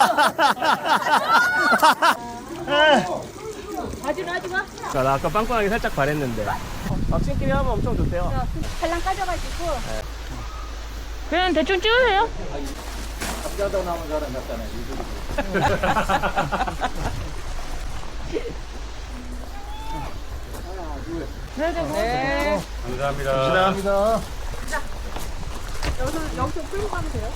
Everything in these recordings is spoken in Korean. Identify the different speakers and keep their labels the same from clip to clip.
Speaker 1: 하지마.
Speaker 2: 나 아까 빵빵하게 살짝 바랬는데. 막신끼리 하면 엄청 좋대요.
Speaker 1: 팔랑 까져가지고. 그냥 대충 찍으세요.
Speaker 3: 남자도 나온 사람 같잖아요.
Speaker 1: 네.
Speaker 2: 감사합니다.
Speaker 1: 여기서 끌고 가면 돼요.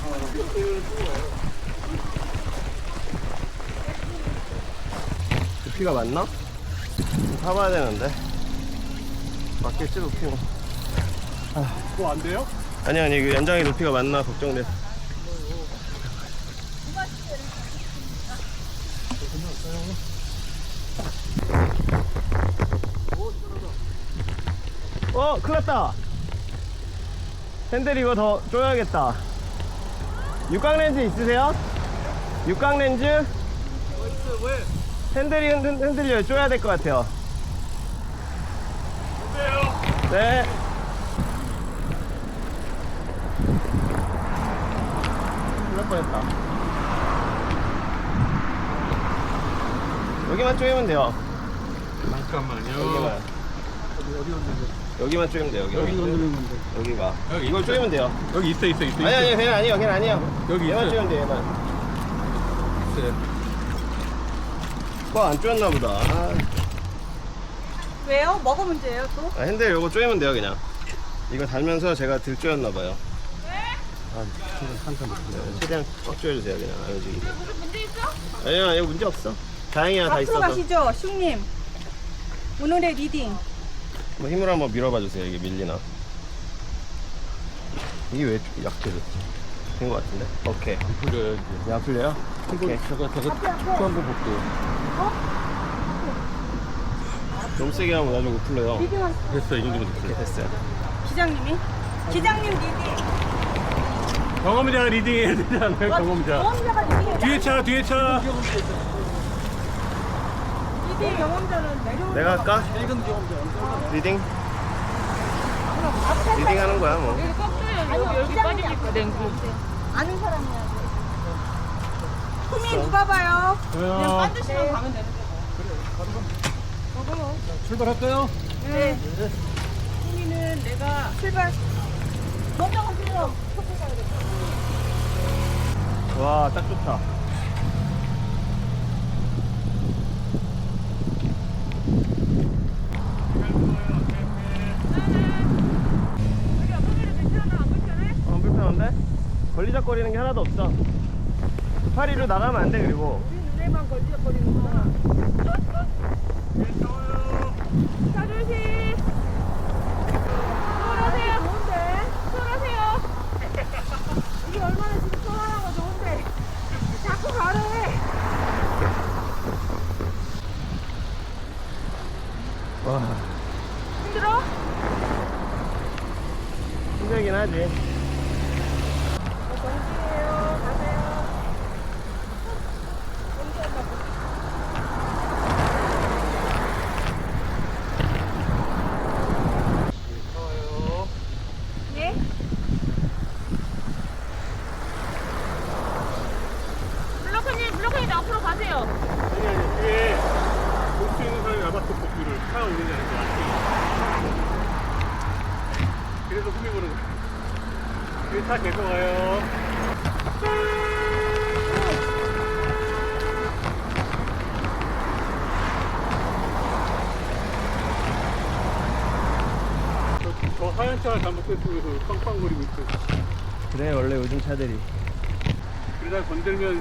Speaker 2: 높이가 맞나? 좀 타봐야 되는데. 맞겠지, 높이 뭐.
Speaker 3: 그거 안 돼요?
Speaker 2: 아니, 그 연장의 높이가 맞나 걱정돼. 큰일 났다. 핸들 이거 더 조여야겠다. 육각 렌즈 있으세요? 육각 렌즈?
Speaker 3: 왜?
Speaker 2: 핸들이 흔들려요. 조여야 될 것 같아요.
Speaker 3: 어때요?
Speaker 2: 네. 큰일 뻔했다. 여기만 조이면 돼요.
Speaker 3: 잠깐만요.
Speaker 2: 여기만 조이면 돼요. 여기.
Speaker 3: 흔드는 건데.
Speaker 2: 여기가.
Speaker 3: 여기
Speaker 2: 이걸 조이면 돼요.
Speaker 3: 여기 있어.
Speaker 2: 아니, 걔는 아니에요. 걔는 아니에요.
Speaker 3: 여기
Speaker 2: 얘만
Speaker 3: 있어요.
Speaker 2: 조이면 돼요. 얘만.
Speaker 3: 있어요.
Speaker 2: 안 조였나 보다.
Speaker 1: 왜요? 뭐가 문제예요 또?
Speaker 2: 핸들 요거 조이면 돼요, 그냥. 이거 달면서 제가 들 조였나 봐요. 최대한 꽉 조여주세요, 그냥. 안 움직이게.
Speaker 1: 무슨 문제 있어?
Speaker 2: 아니요, 문제 없어. 다행이야, 다
Speaker 1: 앞으로
Speaker 2: 있어서.
Speaker 1: 가시죠, 슝님. 오늘의 리딩.
Speaker 2: 뭐 힘으로 한번 밀어봐 주세요. 이게 밀리나? 이게 왜 약해졌지? 된 것 같은데? 오케이.
Speaker 3: 풀려요 이제.
Speaker 2: 야, 풀려요? 오케이.
Speaker 3: 제가 축구 한번 볼게요.
Speaker 2: 너무 세게 하면 나중에 못 풀려요.
Speaker 1: 리딩 한
Speaker 3: 됐어, 이 정도면 됐어요.
Speaker 2: 오케이, 됐어요.
Speaker 1: 기장님이? 기장님 리딩.
Speaker 3: 경험자가 리딩해야 되잖아요, 경험자.
Speaker 1: 경험자가 리딩.
Speaker 3: 뒤에 차.
Speaker 1: 리딩 경험자는 내려오는
Speaker 2: 내가 할까? 리딩? 리딩 하는 거야, 뭐.
Speaker 1: 여기 꺾여요. 여기 빠지니까 냉구. 아는 사람이야. 후미 누가 봐요? 그냥 반드시만 가면 되는데.
Speaker 3: 출발할까요?
Speaker 1: 네. 후미는 내가 출발. 먼저 가세요.
Speaker 2: 와, 딱 좋다. 안 불편한데? 걸리적거리는 게 하나도 없어. 파리로 나가면 안 돼, 그리고.
Speaker 1: 우리 눈에만 걸리적거리는구나. 자존심. 쏠하세요. 좋은데? 쏠하세요. 이게 얼마나 지금 쏠하는 거 좋은데. 자꾸 가래.
Speaker 2: 와,
Speaker 1: 힘들어?
Speaker 2: 힘들긴 하지.
Speaker 1: 정신이에요. 가세요. 예? 블로커님 앞으로 가세요.
Speaker 3: 아니, 뒤에 볼수 있는 사람이 아마도 복귀를 타고 있느냐는 거 알지? 그래서 후미 보는 거야. 뒤에 차 계속 와요. 저 하얀 차가 잘못됐으면서 빵빵거리고 있어.
Speaker 2: 그래, 원래 요즘 차들이.
Speaker 3: 그러다 건들면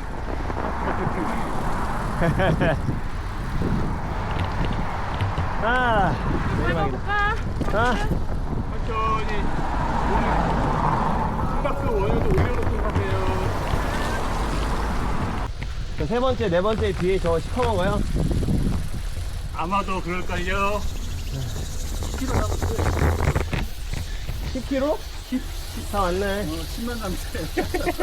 Speaker 2: 아, 내리막이다. 아,
Speaker 3: 천천히 심박수 원효도 올려놓고 가세요.
Speaker 2: 세 번째, 네 번째 뒤에 저 시커먼 거요?
Speaker 3: 아마도 그럴걸요.
Speaker 2: 10kg? 10, 다 왔네.
Speaker 3: 10만 남세.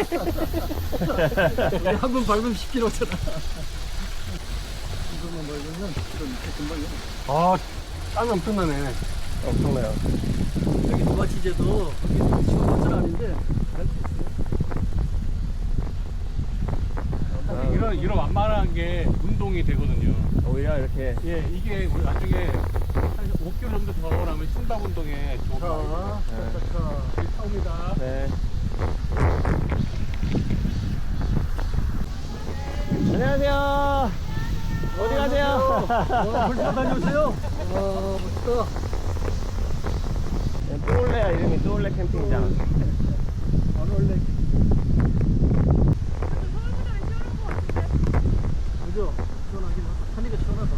Speaker 3: 한 번 밟으면 10kg잖아. 이거만 밟으면 10kg 금방이야. 아, 땀이 엄청나네.
Speaker 2: 엄청나요.
Speaker 4: 여기 누가 지제도 거기 쉬운 것은 아닌데
Speaker 2: 아,
Speaker 3: 이런 완만한 게 운동이 되거든요.
Speaker 2: 오히려 이렇게.
Speaker 3: 예, 이게 우리 나중에 한 5km 정도 더 나면 심박 운동에 좋은 거 처음이다.
Speaker 2: 네. 안녕하세요. 어디 가세요?
Speaker 4: 벌써 다녀오세요. 멋있다.
Speaker 2: 또올레야 이름이 또올레 캠핑장.
Speaker 4: 안 올래. 그죠? 시원하긴 하다. 산이가 시원하다.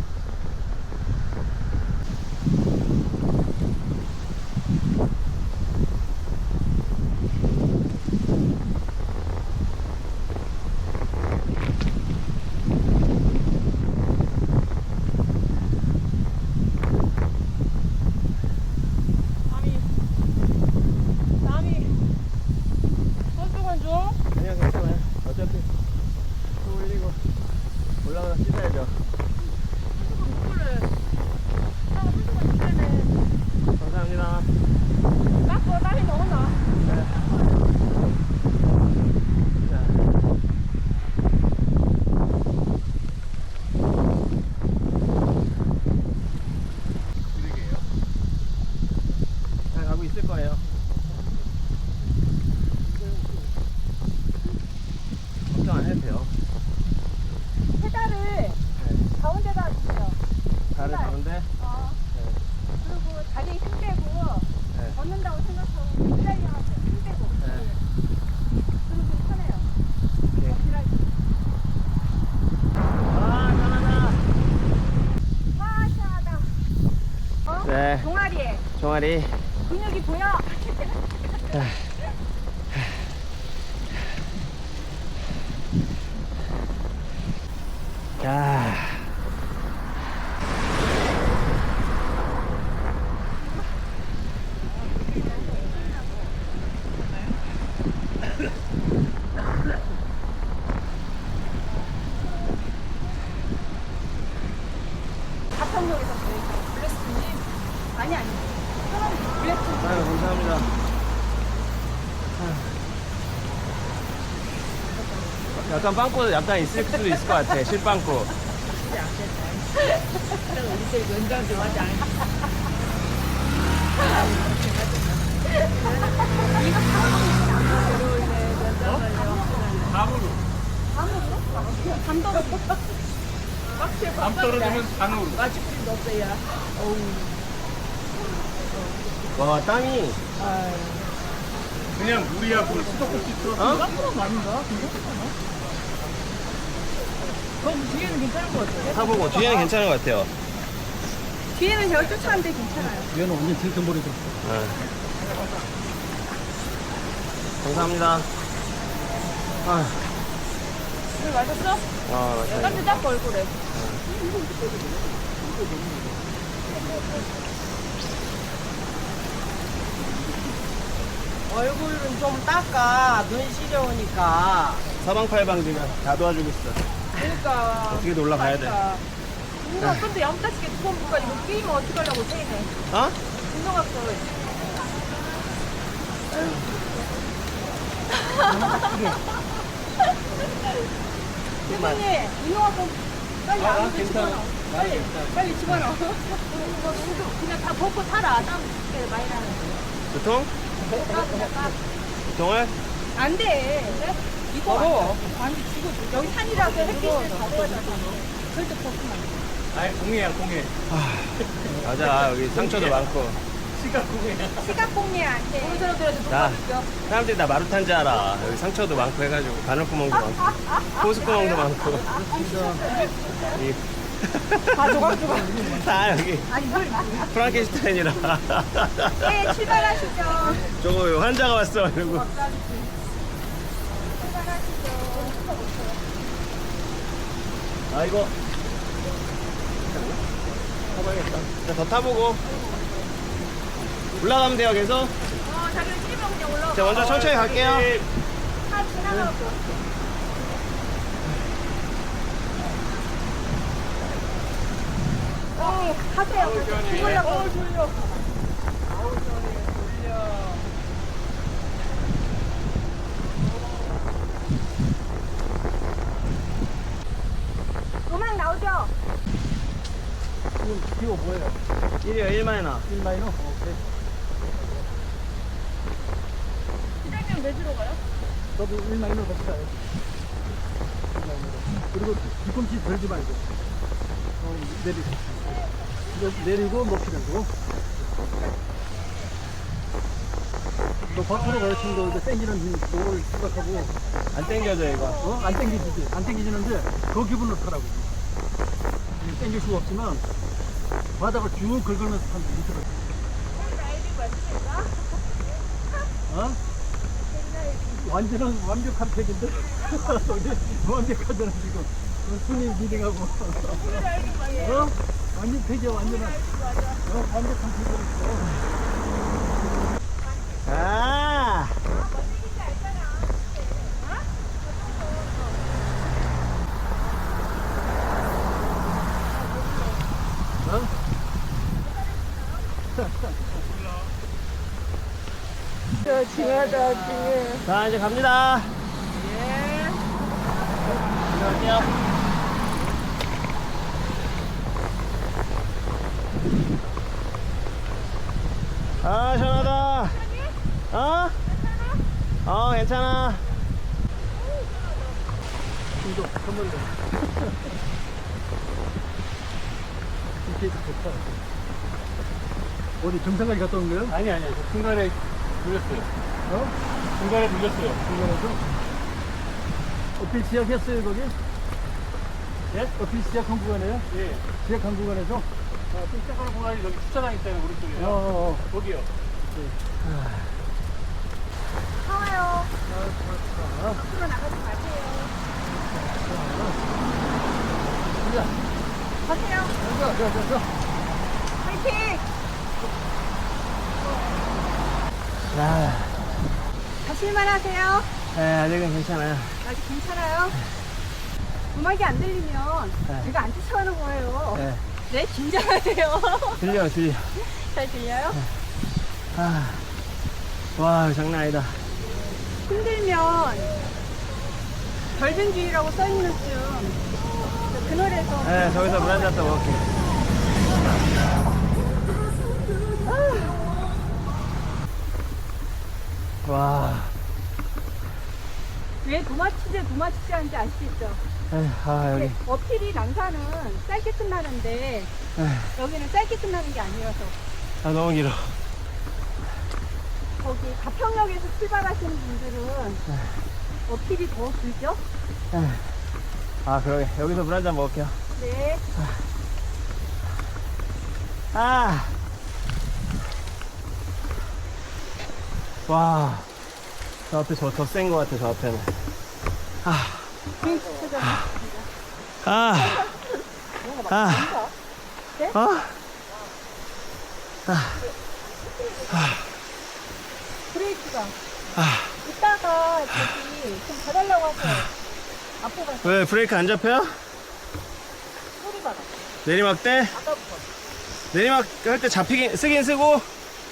Speaker 1: 남이 손수건 줘?
Speaker 2: 아니요 괜찮아요. 어차피 또 올리고 올라가서 씻어야죠.
Speaker 1: 손수건을 손수건 주세요.
Speaker 2: 감사합니다.
Speaker 1: 닦고 땀이 너무 나.
Speaker 2: 네. 자.
Speaker 3: 쓰레기예요.
Speaker 2: 잘 가고 있을 거예요. 걱정 안 해도 돼요.
Speaker 1: 페달을 가운데다 주세요.
Speaker 2: 발을 가는데
Speaker 1: 그리고 다리에 힘 빼고
Speaker 2: 네.
Speaker 1: 걷는다고 생각하고 페달이 하세요. 힘 빼고.
Speaker 2: 네.
Speaker 1: 그리고 편해요.
Speaker 2: 오케이.
Speaker 1: 걷기라기.
Speaker 2: 아 편하다.
Speaker 1: 와 시원하다. 어?
Speaker 2: 네.
Speaker 1: 동아리에
Speaker 2: 종아리.
Speaker 1: 근육이 보여.
Speaker 2: 야.
Speaker 1: 가평역에서 블레스님 아니 블레스
Speaker 2: 아유 감사합니다. 약간 빵꾸 약간 있을 수도 있을 것 같아. 실빵꾸.
Speaker 3: 감으로.
Speaker 1: 감독
Speaker 3: 감 떨어지면 간으로.
Speaker 2: 와 땀이.
Speaker 3: 그냥 물이야 물. 수도꼭지 틀어서.
Speaker 2: 어?
Speaker 1: 그럼 뒤에는 괜찮은 것 같아요.
Speaker 2: 타보고 뒤에는 괜찮은 것 같아요.
Speaker 1: 뒤에는 제가 쫓아왔는데 괜찮아요.
Speaker 4: 얘는 완전 til트머리도.
Speaker 2: 네. 감사합니다. 아,
Speaker 1: 물 맞았어?
Speaker 2: 맞아요.
Speaker 1: 땀도 닦고 얼굴에.
Speaker 5: 얼굴은 좀 닦아. 눈 시려우니까.
Speaker 2: 사방팔방지가 다 도와주고 있어.
Speaker 1: 그러니까.
Speaker 2: 어떻게든 올라가야 돼.
Speaker 1: 누가 근데 염따지게 두번 누가 이거 끼면 어떡하려고 세이네.
Speaker 2: 어?
Speaker 1: 운동학교. 대표님, 운동학교 빨리 안으로 집어넣어. 빨리 집어넣어. 그냥 다 벗고 타라. 땀 많이 나는
Speaker 2: 두통?
Speaker 1: 거.
Speaker 2: 두통을?
Speaker 1: 안 돼. 이거 안 돼. 지금 여기 산이라서 햇빛을 받아야 절대 벗으면 안 돼.
Speaker 3: 아예 공예야 공예.
Speaker 2: 맞아. 여기 상처도 많고.
Speaker 3: 시각 공예야.
Speaker 1: 시각공예 안 돼. 우리 사람들한테
Speaker 2: 나,
Speaker 1: 녹아줄게요.
Speaker 2: 사람들이 나 마루탄 줄 알아. 여기 상처도 많고 해가지고. 바늘구멍도 많고. 호수구멍도 많고. 이,
Speaker 1: 다 조각조각.
Speaker 2: 다 여기.
Speaker 1: 아니 물.
Speaker 2: 프랑켄슈타인이라.
Speaker 1: 네, 출발하시죠.
Speaker 2: 저거 환자가 왔어. 이러고. 아, 이거. 타봐야겠다. 자, 더 타보고. 올라가면 돼요, 계속.
Speaker 1: 자기를 찌면 그냥 올라가.
Speaker 2: 자, 먼저 천천히 갈게요.
Speaker 1: 다 지나가고. 가세요. 죽으려고. 졸려.
Speaker 4: 지금 기호 뭐예요?
Speaker 2: 1이요 1마이너
Speaker 4: 1마이너? 오케이.
Speaker 1: 시장님 왜 들어가요?
Speaker 4: 저도 1마이너 같이 가요. 1마이너로. 그리고 뒤꿈치 들지 말고. 내리고. 이제 내리고 높이 들고. 너 밖으로 가요, 친구. 이제 땡기는 힘, 그걸 생각하고.
Speaker 2: 안 땡겨져 이거
Speaker 4: 안 땡기지지. 안 땡기지는데 그 기분으로 타라고. 이게 땡길 수가 없지만 바닥을 쭉 긁으면서 타면 밑으로.
Speaker 1: 라이딩 맞습니까?
Speaker 4: 어? 완벽한 팩인데? 우리 완벽하잖아 지금. 순위 리딩하고. 어? 완전 팩이야 완전한. 완벽한 팩이야.
Speaker 2: 아
Speaker 1: 징하다 징해.
Speaker 2: 자 이제 갑니다
Speaker 1: 예.
Speaker 2: 안녕하세요 아 시원하다 어? 어 괜찮아
Speaker 4: 이거 선물로. 이렇게 좋다. 어디 정상까지 갔다 온 거예요?
Speaker 3: 아니 저 중간에 눌렸어요.
Speaker 4: 어?
Speaker 3: 중간에 눌렸어요.
Speaker 4: 중간에서? 어필 시작했어요 거기?
Speaker 3: 예?
Speaker 4: 어필 시작한 구간이에요?
Speaker 3: 예.
Speaker 4: 시작한 구간에서?
Speaker 3: 좀 시작하는 공간이 여기 주차장 있잖아요, 오른쪽에. 거기요.
Speaker 1: 나와요. 앞으로 나가지 마세요. 가세요. 파이팅!
Speaker 2: 아,
Speaker 1: 가실만 하세요?
Speaker 2: 네, 아직은 괜찮아요
Speaker 1: 아직 괜찮아요? 음악이 안 들리면
Speaker 2: 네.
Speaker 1: 제가 안 쫓아가는 거예요.
Speaker 2: 네.
Speaker 1: 네, 긴장하세요.
Speaker 2: 들려
Speaker 1: 잘 들려요?
Speaker 2: 아, 와 장난 아니다
Speaker 1: 힘들면 결변주의라고 써있는 그 노래에서
Speaker 2: 네 저기서 물 한잔 더 먹을게 와
Speaker 1: 왜 도마치제 하는지 아시죠?
Speaker 2: 에휴, 아 여기
Speaker 1: 어필이 난사는 짧게 끝나는데
Speaker 2: 에휴,
Speaker 1: 여기는 짧게 끝나는 게 아니라서
Speaker 2: 아 너무 길어
Speaker 1: 거기 가평역에서 출발하시는 분들은 어필이 더 길죠?
Speaker 2: 에휴. 아 그러게 여기서 물 한잔 먹을게요
Speaker 1: 네.
Speaker 2: 아. 와. 저 앞에 더 센 거 같아, 저 앞에는. 아. 아. 아.
Speaker 1: 네?
Speaker 2: 아.
Speaker 1: 브레이크가
Speaker 2: 아.
Speaker 1: 이따가 저기 좀 봐달라고 하세요. 앞으로 가서
Speaker 2: 왜 브레이크 안 잡혀요?
Speaker 1: 소리가 나.
Speaker 2: 내리막 때?
Speaker 1: 아까부터.
Speaker 2: 내리막 할 때 쓰긴 쓰고.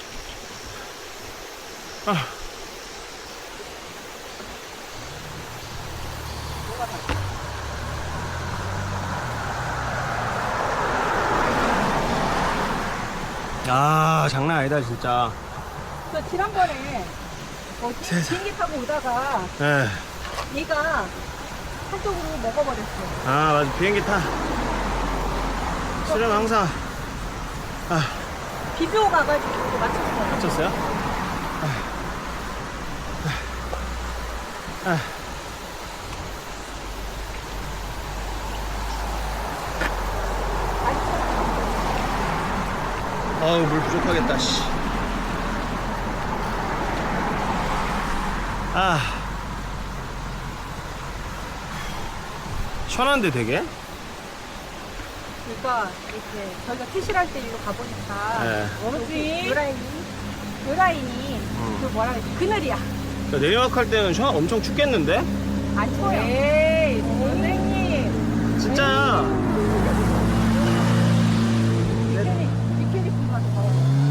Speaker 2: 아. 아 장난 아니다 진짜.
Speaker 1: 저 지난번에 비행기 타고 오다가
Speaker 2: 예.
Speaker 1: 얘가 한쪽으로 먹어버렸어.
Speaker 2: 아 맞아 비행기 타. 실은 항상
Speaker 1: 비교 가가지고 맞췄어.
Speaker 2: 다쳤어요? 아우 물 부족하겠다 씨. 아 시원한데 되게?
Speaker 1: 그러니까 이렇게 저희가 퇴실할 때 이거 가보니까
Speaker 2: 네.
Speaker 1: 여기 요라인이 그 뭐라 그러지? 그늘이야.
Speaker 2: 내리막 할 때는 엄청 춥겠는데?
Speaker 1: 안 추워요. 에이 선생님.
Speaker 2: 진짜야.
Speaker 1: 미케리 분 가서 봐요.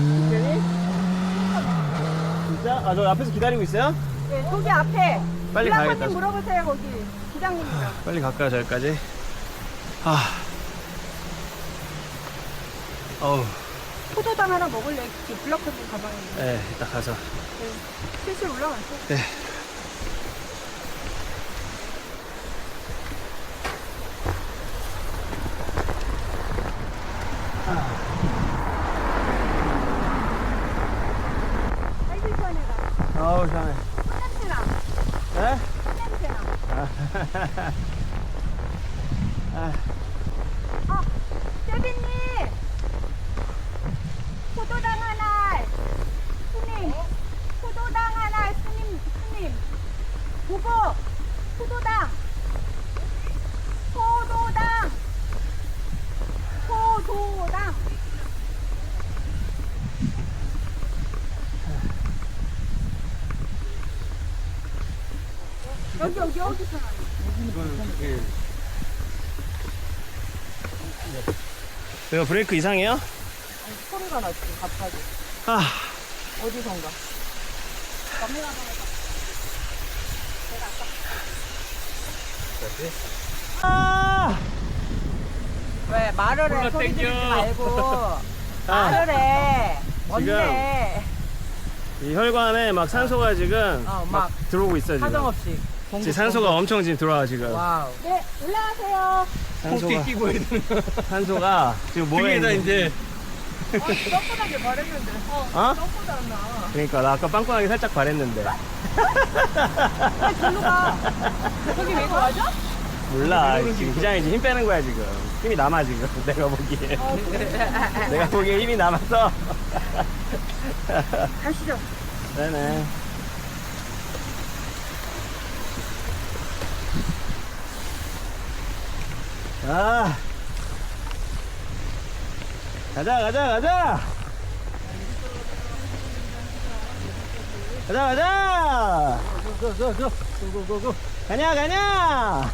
Speaker 2: 진짜? 아 저 앞에서 기다리고 있어요?
Speaker 1: 네, 저기 앞에
Speaker 2: 빨리
Speaker 1: 블라커님
Speaker 2: 가야겠다.
Speaker 1: 물어보세요 거기 기장님이랑.
Speaker 2: 빨리 갈까요 저기까지? 아 어우.
Speaker 1: 포도당 하나 먹을래? 블랙커피 가방에.
Speaker 2: 네, 이따 가서.
Speaker 1: 슬슬 올라갔어.
Speaker 2: 네.
Speaker 1: 아이고 시원해라.
Speaker 2: 아우, 시원해.
Speaker 1: 냄새나.
Speaker 2: 네?
Speaker 1: 냄새나.
Speaker 2: 아,
Speaker 1: 세빈님! 포도당 하나! 스님! 포도당 하나! 스님! 보고! 포도당! 포도당! 포도당! 여기 어디서 나요?
Speaker 2: 이거 브레이크 이상해요?
Speaker 5: 소리가 나지 갑자기
Speaker 2: 아,
Speaker 5: 어디선가.
Speaker 2: 아,
Speaker 5: 왜 말을 해? 소리
Speaker 3: 땡겨.
Speaker 5: 지르지 말고
Speaker 2: 아,
Speaker 5: 말을 해. 뭔데?
Speaker 2: 이 혈관에 막 산소가 지금
Speaker 5: 막
Speaker 2: 막 들어오고 있어 지금.
Speaker 5: 사정없이.
Speaker 2: 지금 산소가 엄청 지금 들어와 지금.
Speaker 5: 와우.
Speaker 1: 네, 올라가세요.
Speaker 2: 산소가
Speaker 3: 끼고 해야 되나?
Speaker 2: 산소가 지금 뭐에
Speaker 3: 등에다
Speaker 2: 있는지.
Speaker 3: 이제
Speaker 5: 떡보다게 말했는데.
Speaker 2: 어?
Speaker 5: 떡보다 나.
Speaker 2: 그러니까 나 아까 빵빵하게 살짝 바랬는데.
Speaker 5: 절로 가.
Speaker 1: 거기 왜 가죠?
Speaker 2: 몰라. 지금 기장이 지금 힘 빼는 거야 지금. 힘이 남아 지금. 내가 보기에. 내가 보기에 힘이 남아서.
Speaker 1: 가시죠.
Speaker 2: 네네. 아. 가자. 가자.
Speaker 4: 고고고고.
Speaker 2: 가냐.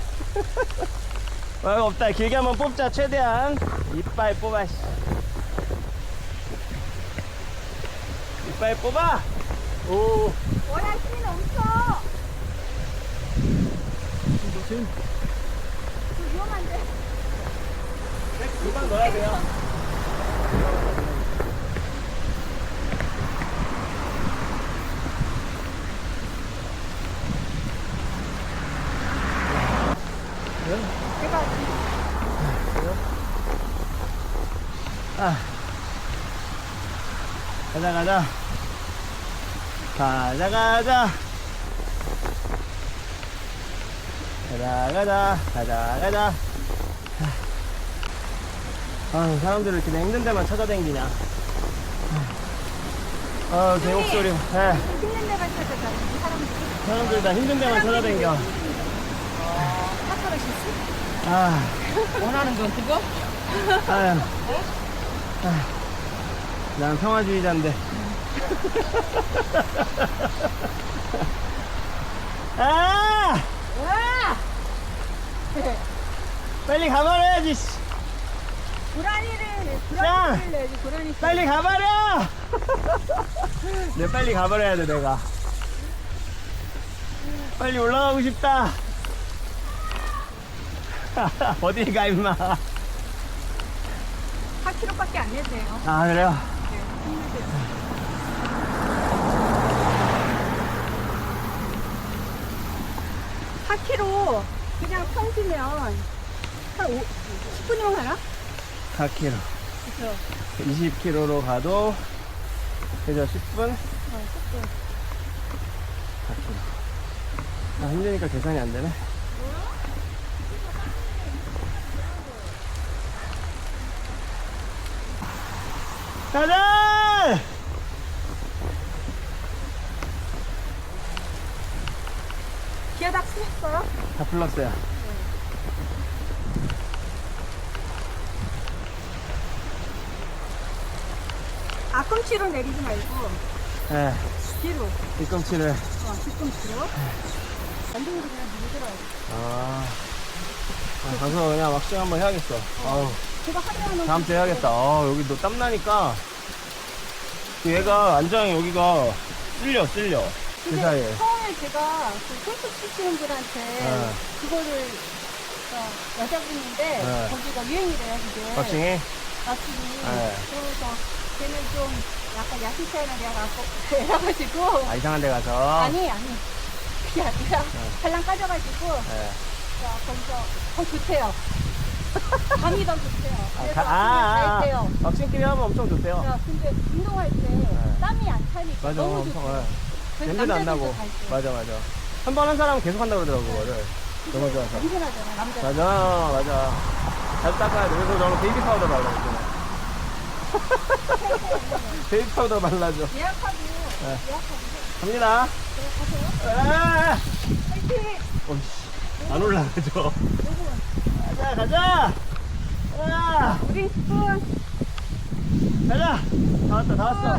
Speaker 2: 없다. 길게 한번 뽑자. 최대한 이빨 뽑아. 씨. 이빨 뽑아. 오.
Speaker 1: 워낙 힘이 넘쳐.
Speaker 4: 조심.
Speaker 1: 위험한데.
Speaker 2: 금방 넣어야 돼요. 아. 가자. 아, 사람들을 이렇게 힘든 데만 찾아다니냐. 아, 개 목소리. 네.
Speaker 1: 힘든 데만 찾아가. 이 사람들이.
Speaker 2: 사람들 다 힘든 데만 찾아다녀.
Speaker 1: 사카라시스?
Speaker 2: 아,
Speaker 5: 원하는 건 그거?
Speaker 2: 아유. 난 평화주의자인데. 아!
Speaker 1: 와!
Speaker 2: 빨리 가버려야지. 씨.
Speaker 1: 고라니를
Speaker 2: 야!
Speaker 1: 내야지. 고라니.
Speaker 2: 빨리 가버려! 내 빨리 가버려야 돼, 내가. 빨리 올라가고 싶다. 어디 가, 임마.
Speaker 1: 4kg밖에 안 내세요.
Speaker 2: 아, 그래요?
Speaker 1: 네, 4kg 그냥 평지면 한 10분이면 가나?
Speaker 2: 4kg.
Speaker 1: 그쵸.
Speaker 2: 20km로 가도, 그죠, 10분?
Speaker 1: 10분.
Speaker 2: 4kg. 아, 힘드니까 계산이 안 되네. 가자!
Speaker 1: 기어 다 쓰셨어요?
Speaker 2: 다 풀렀어요.
Speaker 1: 앞꿈치로 내리지 말고
Speaker 2: 네,
Speaker 1: 뒤로.
Speaker 2: 뒤꿈치를.
Speaker 1: 뒤꿈치로. 완전히 그냥 밀더라고.
Speaker 2: 아, 가서 그냥 왁싱 한번 해야겠어. 아우,
Speaker 1: 제가 하루하루
Speaker 2: 다음 주에 해야겠다. 여기 너 땀나니까. 얘가 안장이 여기가 쓸려. 그
Speaker 1: 근데
Speaker 2: 사이에.
Speaker 1: 처음에 제가 그 골프 치시는 분한테
Speaker 2: 네.
Speaker 1: 그거를 여자분인데
Speaker 2: 네.
Speaker 1: 거기가 유행이래요 그게.
Speaker 2: 왁싱이?
Speaker 1: 나중에.
Speaker 2: 네.
Speaker 1: 그래서 걔는 좀 약간 야시차이나 돼가지고.
Speaker 2: 아, 이상한 데 가서.
Speaker 1: 아니. 그게 아니라 발랑 까져가지고.
Speaker 2: 네.
Speaker 1: 자, 거기서 더 좋대요. 감이 더 좋대요. 그래서 다 했대요.
Speaker 2: 왁싱끼리 하면 엄청 좋대요.
Speaker 1: 야, 근데 운동할 때 땀이 안 차니까
Speaker 2: 맞아,
Speaker 1: 너무
Speaker 2: 엄청.
Speaker 1: 좋대요.
Speaker 2: 네.
Speaker 1: 그래서
Speaker 2: 냄새도 안 나고.
Speaker 1: 남자들도 갈 때.
Speaker 2: 맞아. 한 번 한 사람은 계속 한다고 그러더라고, 그거를. 너무 좋아서.
Speaker 1: 냄새 나잖아, 남자.
Speaker 2: 맞아. 잘 닦아야 돼. 그래서 저는 베이비 파우더 발라줘. 베이비 파우더 발라줘.
Speaker 1: 예약하고.
Speaker 2: 네.
Speaker 1: 예약하고.
Speaker 2: 갑니다.
Speaker 1: 그래, 가세요. 파이팅!
Speaker 2: 안 올라가죠. 가자.
Speaker 1: 우리 스푼.
Speaker 2: 가자. 다 왔어.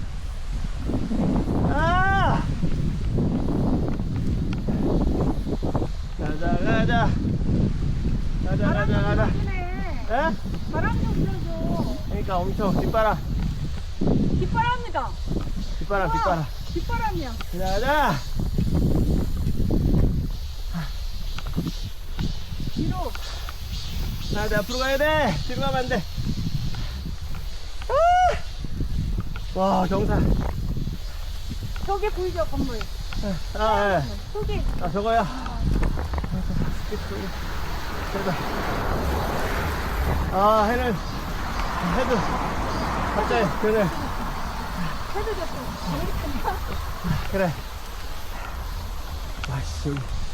Speaker 2: 가자.
Speaker 1: 불어주네.
Speaker 2: 에?
Speaker 1: 바람 좀 불어줘.
Speaker 2: 그러니까 엄청 뒷바람.
Speaker 1: 뒷바람이다.
Speaker 2: 뒷바람.
Speaker 1: 뒷바람이야.
Speaker 2: 가자.
Speaker 1: 뒤로.
Speaker 2: 자, 앞으로 가야 돼. 뒤로 가면 안 돼. 와, 경산.
Speaker 1: 저기 보이죠, 건물.
Speaker 2: 예.
Speaker 1: 저기.
Speaker 2: 저거야. 해도 갑자기 그래.
Speaker 1: 해도 됐고. 재밌겠다.
Speaker 2: 그래. 와씨.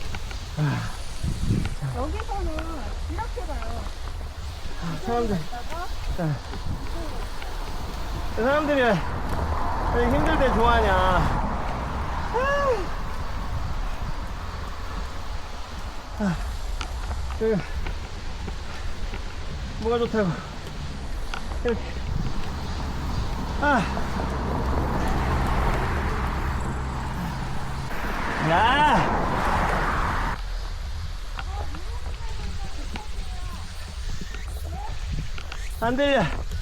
Speaker 1: 여기서는 이렇게 가요.
Speaker 2: 사람들.
Speaker 1: 여기다가
Speaker 2: 사람들이 왜 힘들 때 좋아하냐. 여기 뭐가 좋다고. 이렇게. 야! 안 들려.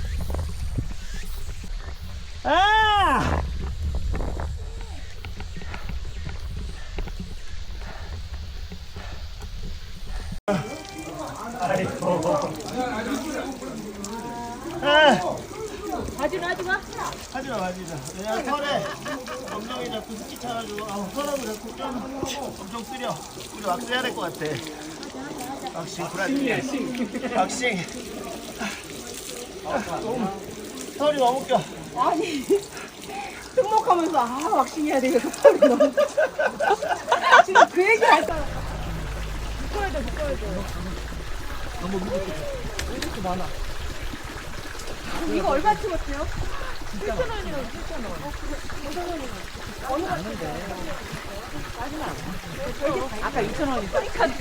Speaker 1: 바지로 하지 마.
Speaker 2: 하지마. 왜냐면 털에 검정이 자꾸 습기 차가지고 털하고 자꾸 좀 엄청 쓰려. 우리 왁스 해야 될 것 같아. 왁싱 브라질. 왁싱. 털이 너무 껴.
Speaker 1: 아니. 등록하면서 왁싱해야 되겠어. 털이 너무. 지금 그 얘기 할 거야. 묶어야 돼.
Speaker 4: 너무 왜 이렇게 많아?
Speaker 1: 이거 얼마 찍었어요? 7,000원이라고 7,000원. 5,000원이면. 어느 거 마지막. 아까 2,000원이니까.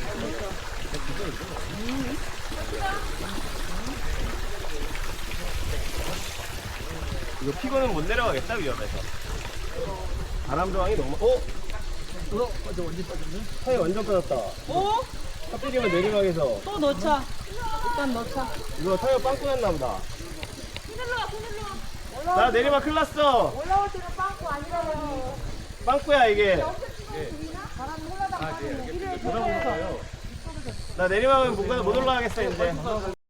Speaker 2: 이거 피고는 못 내려가겠다, 위험해서. 바람 저항이 너무.
Speaker 4: 맞아, 완전 빠졌네.
Speaker 2: 타이 완전 빠졌다. 하필이면 내리막에서.
Speaker 1: 또 넣자. 일단 넣자.
Speaker 2: 이거 타이어 빵꾸 났나 보다. 나 내리막 큰일 났어.
Speaker 1: 올라올 때는 빵꾸 아니라고.
Speaker 2: 빵꾸야, 이게.
Speaker 1: 바람이 흘러다가
Speaker 2: 나 내리막은 못 올라가겠어, 이제.